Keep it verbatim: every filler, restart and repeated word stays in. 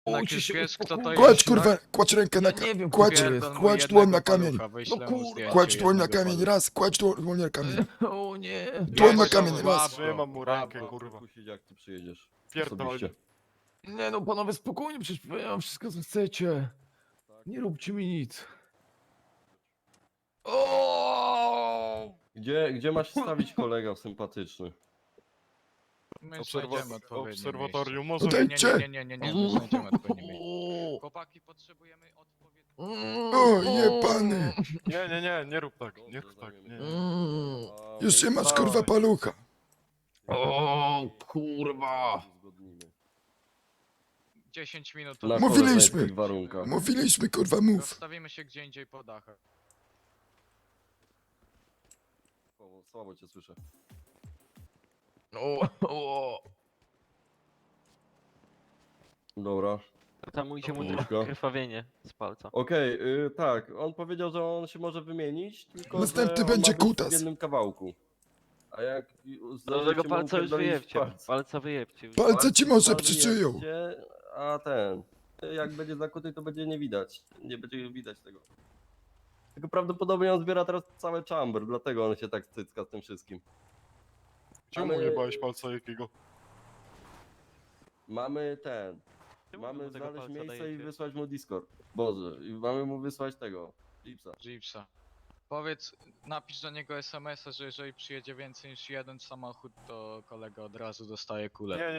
Jednak Uci już się wiesz, kto to uspokój. jest, Kładź tak? kurwa, kładź rękę na Ja nie wiem, ka- kładź, kto to jest. Pierdol mu kładź jednego dłoń na kamień. palucha, wyślę No mu kurwa. zdjęcie Kładź dłoń na jednego kamień, palucha. raz, kładź dłoń na kamień. O nie. Dłoń na Weź go, kamień, raz. łap go, Trzymam mu łap rękę, go. kurwa. Kusić, jak ty przyjedziesz. Pierdol. Osobiście. Nie no, panowie, spokojnie, przecież ja mam wszystko, co chcecie. Nie róbcie mi nic. O! Gdzie, gdzie masz stawić kolega sympatyczny? My Obserwa- znajdziemy odpowiednie obserwatorium miejsce. może- Nie, nie, nie, nie, nie, nie, my znajdziemy odpowiednie miejsce. O! Chłopaki, potrzebujemy odpowiednie... O, jebany. Nie, nie, nie, nie rób tak, nie rób tak. Nie. Mm. A Już nie masz miejsce- kurwa palucha. O, kurwa. Uzgodnimy. dziesięć minut. Na Mówiliśmy. koleżeńskich warunkach. Mówiliśmy kurwa, mów. Rozstawimy się gdzie indziej po dachach. Słabo, słabo cię słyszę. O, o. Dobra. Tam ujdzie mu Łóżko. krwawienie z palca. Okej, y, tak, on powiedział, że on się może wymienić, tylko Następny że on będzie ma być kutas. w jednym kawałku. A jak Do tego mu palca już upierdolić wyjebcie. palce- Palca wyjebcie już. Palce ci może palce przyczyją. wyjebcie, A ten, jak będzie zakuty, to będzie nie widać. Nie będzie widać tego. Tylko prawdopodobnie on zbiera teraz całe chamber, dlatego on się tak cycka z tym wszystkim. Czemu mu Ale- jebałeś palca jakiego? Mamy ten. Czemu Mamy mu tego znaleźć palca miejsce i dajecie? wysłać mu Discord. Boże, i mamy mu wysłać tego. Jeepsa. Jeepsa. Powiedz, napisz do niego es em es a, że jeżeli przyjedzie więcej niż jeden samochód, to kolega od razu dostaje kulę. Nie,